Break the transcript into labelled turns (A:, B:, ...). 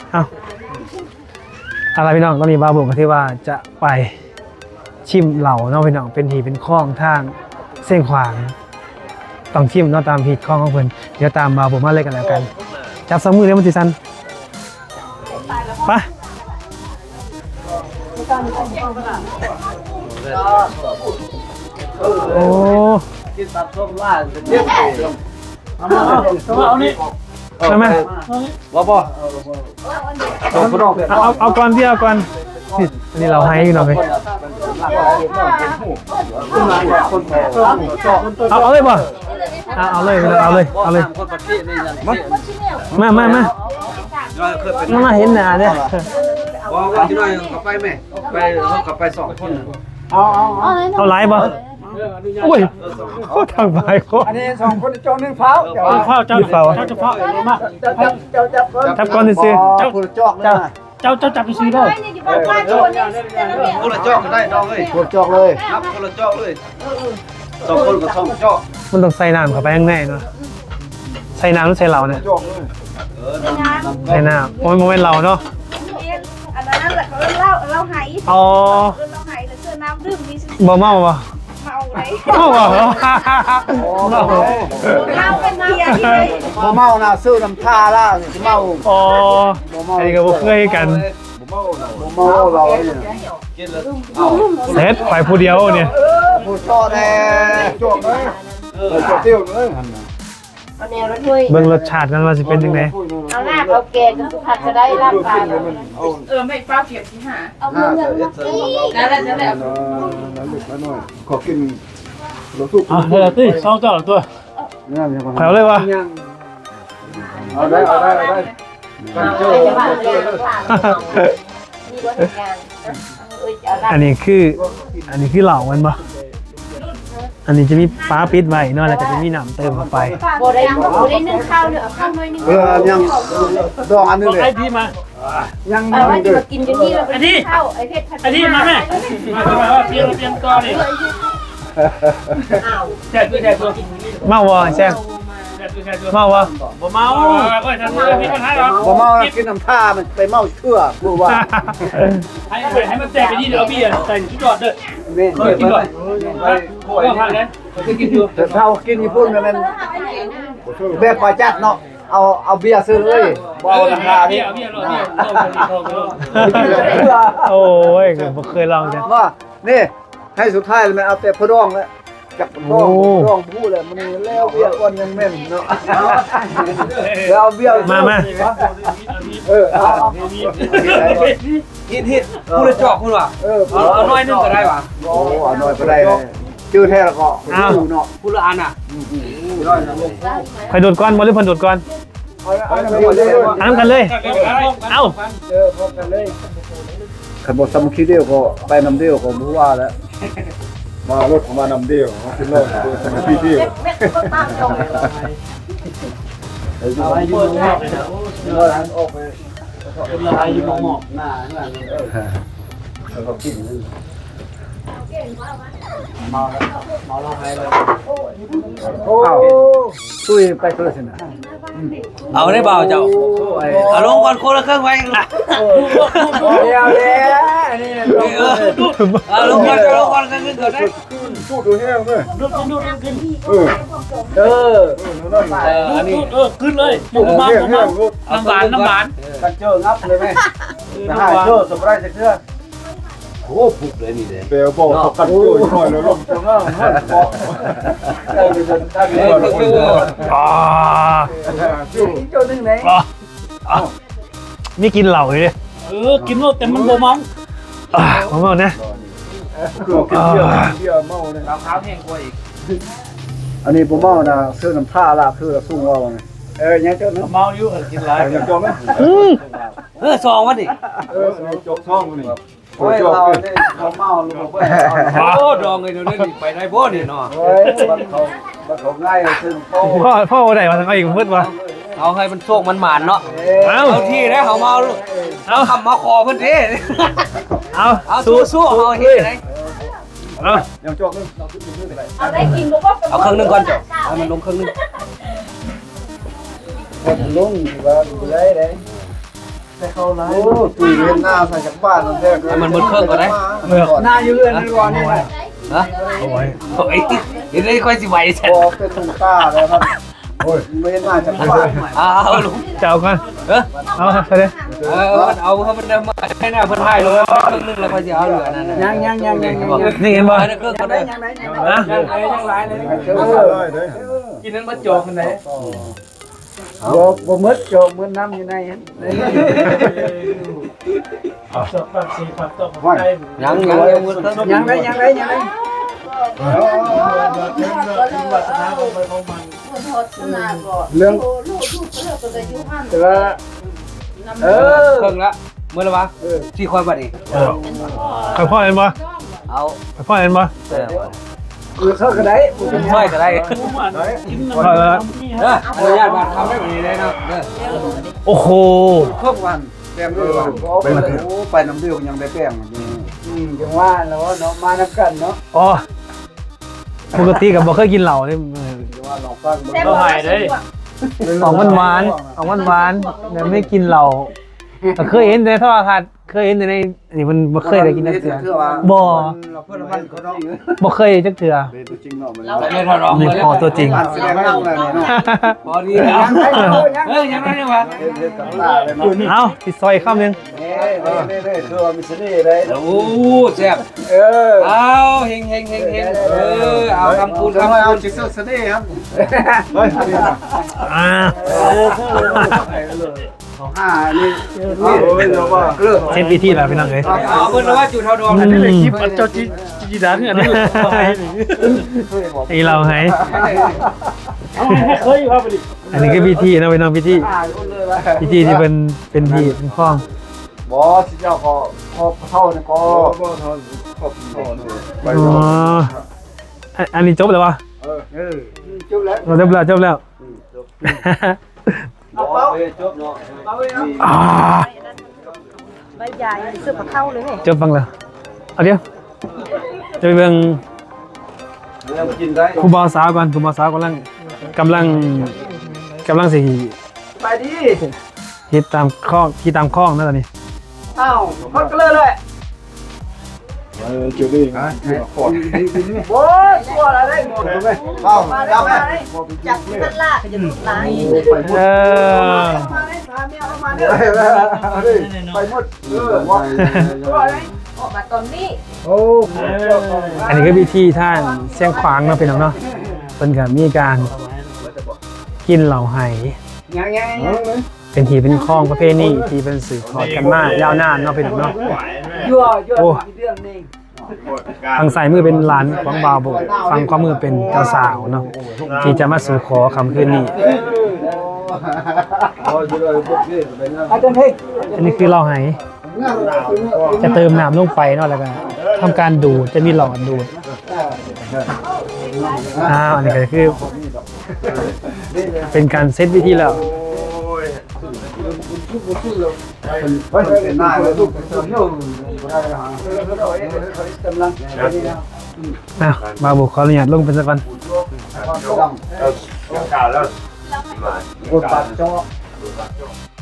A: เอาอะไรพี่น้องตอนนี้บาบุกก็ที่ว่าจะไปชิมเหล่าเนาะพี่น้องเป็นหีเป็นข้องทางเส้นขวางต้องชิมเนาะตามหีข้องของเพิ่นเดี๋ยวตามบาบุกมาเลยกันแล้วกันจับสมือเดี๋ยวมันสิซันไปโอ้
B: กินตับส้มล่าจะเทียบเอานี่
A: ใช่ไหม
B: บ่
A: เอาก่อนที่เอาก่อนอันนี้เราให้อยู่หน่อยเอาเลยป่ะเอาเลยเอาเลยมาเห็นหน้าเนี่ย
B: ว่าที่น้อยเขาไปไหมไปเขาขับไป2 คน
A: เอาไลฟ์ป่ะอุ้ยโคตรทางไปโคตร
C: อันนี้2 คนจอง1เฝ้า
A: เฝ้าเจ้าเฝ้ามาจับก่อนซื้อ
C: เจ้าจอกเลย
A: เจ้าจับไปซื้อได้
B: คนละจอกก็ได้น้องเอ้ย
C: คนจอกเลย
B: นับคนละจอกเลย2 คนกับ2 จอก
A: มันต้องใส่น้ำเข้าไปข้างในเนาะใส่น้ำหรือใส่เหล้าเนี่ยใส่น้ำโอ้ยโมเมนต์เหล้าเนาะ
D: อันนั้นแหละเราหาย
A: อ๋อ
D: เราหายแล้วเสื้อน้ำดื่มมี
A: บ่เมาป่ะ
D: เมาไหม
A: เมาป่ะ
D: เมาเป็นเบียร์ที่เลย
C: บ่เมานะซื้อน้ำท่าล่าสิเมา
A: อ๋ออันนี้ก็บ่เคยกัน
C: บ่เมาเราเนี่ย
B: กินแล้ว
A: เสร็จไปผู้เดียวเนี่ย
C: ผู้จอกแน่จอกเลยจอกเตี้ยวเลย
D: เอาแนวรถด้วย
A: เบิ่งรสชาติกันว่าสิเป็นจังได๋
D: เอาหน้าเอาแกงกับผัดจะได้ร่างกายไม่เป้าเก็บที่หาเอาเงินนั่นแหละ
C: ขอกินรสสุก
A: เดี๋ยวติ2เจ้าตัวขอเลยวะ
C: เอาได้
A: อันนี้คือเหล่ามันปะอันนี้จะมีฟ้าปิดไว้เนาะแล้วก็จะมีน้ำเติมเข้าไป
D: บ่ได้นึ่งข้าวเนี่ยเอาข้าวน้อยนึง
C: ยังดองอันนึงเลย
A: ไอ้พี่มา
C: ยัง
D: ว่าจะมากินกันนี่เราเป็นข้าวไอ้เพชรผัด
A: อันนี้มาแม่เตรียมตัวนี่แช่ตัวเมาวะแช่เมาวะบ่เมาก็จะมีปัญหาหรอ
C: บ่เมากินน้ำท่ามันไปเมาเชื่อกูว่า
A: ให้มันแจกไปนี่เดี๋ยวพี่ใส่ชุดยอดเด้อกินก่อนก็พักเลยกินอยู่
C: แต่เท่ากินญี่ปุ่นมันแบบปลาจัดเนาะเอาเบียร์ซื้อเลยบ่เอาราคาพี่
A: โอ้ยผมเคยลองจ้ะ
C: ว่านี่ให้สุดท้ายมันเอาแต่พะดองแล้วกับพะดองพูดเลยมันแล้วเบียร์อ้วนยังแม่นเนาะแล้วเอาเบียร์
A: มา
B: ฮิตพูดเลยจอกคุณว่ะเอาน้อยนึงก็ได้ว่ะ
C: โอ้เอาน้อยก็ได้ชื่อแท้แล้วก็พูดเนาะ
B: พูดละอันอ่ะ
A: ใครโดดก่อนบ่หรือเพิ่นโดดก่อนอันนั้นกันเลยเอ้า
C: พบกันเลยขันบทสมุขีเดียวก็ไปนำเดียวก็รู้ว่าแล้วมารถมานำเดียวขึ้นรถสมุขีเดียว
B: เอาให้ยืนหมอกเลยนะ
C: ออกไป
B: เป็นละลายยืนหมอกหน้า
C: แล้วก็กิน
B: เมาเราให้เลย
C: โอ้ตุ้ยไปตัวสินะ
B: เอาได้เปล่าเจ้าเอาลงก่อนคนละเครื่องไว้
C: เดี๋ยวนี่
B: เอาลงก่อนเครื่องนึงก่อนได้
C: พูดดูให้เอาเลย
B: อันนี้
A: ขึ้นเลย
C: อยู่มา
A: น้ำหวาน
C: กันเจองับเลยไหมเจอสบายจะเชื่อ
B: โอ้ผูกเลยนี่เลย
C: เปลวบอกกันโอ้ยหน่อยแล้วลงจังอ่ะเจ้าหนึ่งไหน
A: นี่กินเหล่าเลย
E: กินแล้วแต่มันบ่เมา
A: ผมเอานะ
C: กินเบียร์เมาเนี่ย
B: เราเท้าแห้งกว่าอีก
C: อันนี้ผมเมานะซื้อน้ำท่าลาบซื้อละสุ่งว่าไงยังเจ้าเ
E: มาอยู่กินหลาย
C: ยังจองไหม
B: ซองวะดิ
C: จองช่องนี่
B: โอ้ยเราเนี่ยเขาเมาลูกเว้ยโอ้ดองเลยเดี๋ยวนี้ไปได้บ่เนี่ยเนาะ
C: เฮ้ยมันเขาง่ายซึ่ง
A: พ่อไหนมาทางอีกมืดวะ
B: เอาให้มันโชคมันหมานเนาะเอาที่ได้เขาเมาลูกเอาคำมาคอเพิ่นเด้เอาสู้เอาเฮ็ดได้
C: ยังจอกนึง
D: เอาได้กินบ่ก็
B: เอาเครื่องนึงก่อนเจ้าเอามันลงเครื่องนึง
C: คนลงว่าดูได้โอ้ตุยเห็นหน้าใส่จากบ้านนั่นแท้เลยหน้าอยู่เรื่อยนี่ก่อนนี่แหละ
B: ฮะ
A: โอ้ย
B: โอ้ยเดี๋ยวได้ค่อยสิไหวเสร็จ
C: พอเป็นตุ่มตาแล้วมันโอ้ยไม่เห็นหน้าจากบ้าน
B: เอาลุง
A: จะเอากัน
B: เออ
A: เอาไปเลย
B: มันเอาเขามันมาให้หน้าเพิ่นให้ลงครึ่งนึงแล้วค่อยสิเอาเหลือนั่นน่ะ
C: ยัง
A: นี่เห็นบ่
B: ให้เครื่องก็ได้
A: นะ
B: กินนั้นมาจอกกันไหน
C: บ่มืดโจมมืดน้ำอยู่ใน
E: แบบสีผัดตบไก่
B: ยังมือเครื่อง
C: ยังไง เรื่องแต่ว่า
B: เครื่องละมื้อละวะที่ค่อยบัดนี้
A: ไปพ่อเห็นบ่
B: เอา
A: ไปพ่อเห็นบ่
C: เข้าก็ได้
B: ค่อยก็ได้
E: กิน
A: พ่อแล้ว
B: เด้ออนุญาตมาทำได้แบบนี้ได้เนาะเด้อ
A: โอ้โห
C: ครบวันแป้งด้วยวันไปน้ำเดียวยังได้แป้งยังว่าแล้วเนาะมาน้ำกันเนาะ
A: อ๋อปกติกับบ่เคยกินเหล้านี่
C: ว่าลองฟัง
E: เราหายได้
A: ออกหวานออกหวานแต่ไม่กินเหล้าแต่เคยเห็นในโทรทัศน์เคยเห็นในนี่มันบ่เคยได้กินจักเทื่อบ่
C: เราเพื่อนมันเขาเนาะ
A: บ่เคยจักเทื่อ
C: เป็นตัวจริงเนาะมัน
B: ไม่ทดลอง
A: นี่
B: เลย
A: พอตัวจริง
C: แสดงว่าอะไรเนาะ
B: พอดีแล้วเฮ้ยยังไงเนี่ยวะ
C: เฮ็ดกับตาเลยเนาะ
A: เอ้าสิซอยอีกคำหนึง
C: นี่คือว่ามีเสน่ห์ได้
B: โอ้แซ่บ เอาเฮงเอาคำพูด
C: ทำ
B: คำ
C: ไมเอา
B: พูด
C: จิตเสน่ห์ครับ
A: อ่า
C: นี่โอ้ยเราว่าเลิก
A: เช่นพิธีแล้วพี่น้องเอ้ย
B: เอาเพิ่นว่าจุดเท่าดวง
A: อื
B: นั่น
A: ม
B: เลย
E: คลิปอันเจ้าจีดานเนี่ยนี่
A: ไอเราให้
E: เคยอยู่ครับดิ
A: อันนี้ก็พิธีนะพี่น้องพิธีพิธีที่เป็นที่เป็นข้อง
C: บอสเจ้าก็พอเท่านี่ก็เท่าไป
A: อ๋ออันนี้จบแล้ววะ
C: จบแล้ว
A: เราจบแล้ว
C: เอาเป้าจบเนาะเอาไว้นะ
A: อ่า
D: ใบใหญ่ซื้อมาเข้าเลย
A: จบฟังแล้วเอาเดี๋ยวจะไปเบิ่ง
C: เรากินได้
A: ครูบาสาวก่อนครูบาสาวกำลังสิ
C: ไปดิ
A: คิดตามข้องนะตอนนี้
C: เอ้าคนก็เลยจุดนี้ฮะขอดโอ้ยตัวอะไรได้หมดเลยเอ้าจับแม่
D: จับมันล่าก็จะลุกลาย
A: เออ
C: ไปหมดว่าตัวอะไร
D: ออกมาตอนนี้
C: โอ้
A: อันนี้ก็พิธีท่านเสียงขวางเนาะพี่น้องเนาะเป็นกับมีการกินเหล่าไห
C: ยัง
A: เป็นทีเป็นข้องประเภทนี้ที่เป็นสื่อทอดกันมายาวนานเนาะพี่น้องเนาะ
C: ยั่วเรื่องนี้
A: ทางซ้ายมือเป็นหลานของบาวโบฝั่งขวามือเป็นเจ้าสาวเนาะที่จะมาสู่ขอคำคืนนี้
C: อาจารย์เฮ้ย
A: อันนี้คือเหล่าไหจะเติมน้ำลงไปเนาะแล้วก็ทำการดูดจะมีหลอดดูดอันนี้ก็คือ เป็นการเซตวิธีแล้ว
C: เป็นหน้าเลยลูกเสริมยุ่งกำลัง
A: บาวโบขออนุญาตลงเป็นสักวัน
C: กดปัดจอ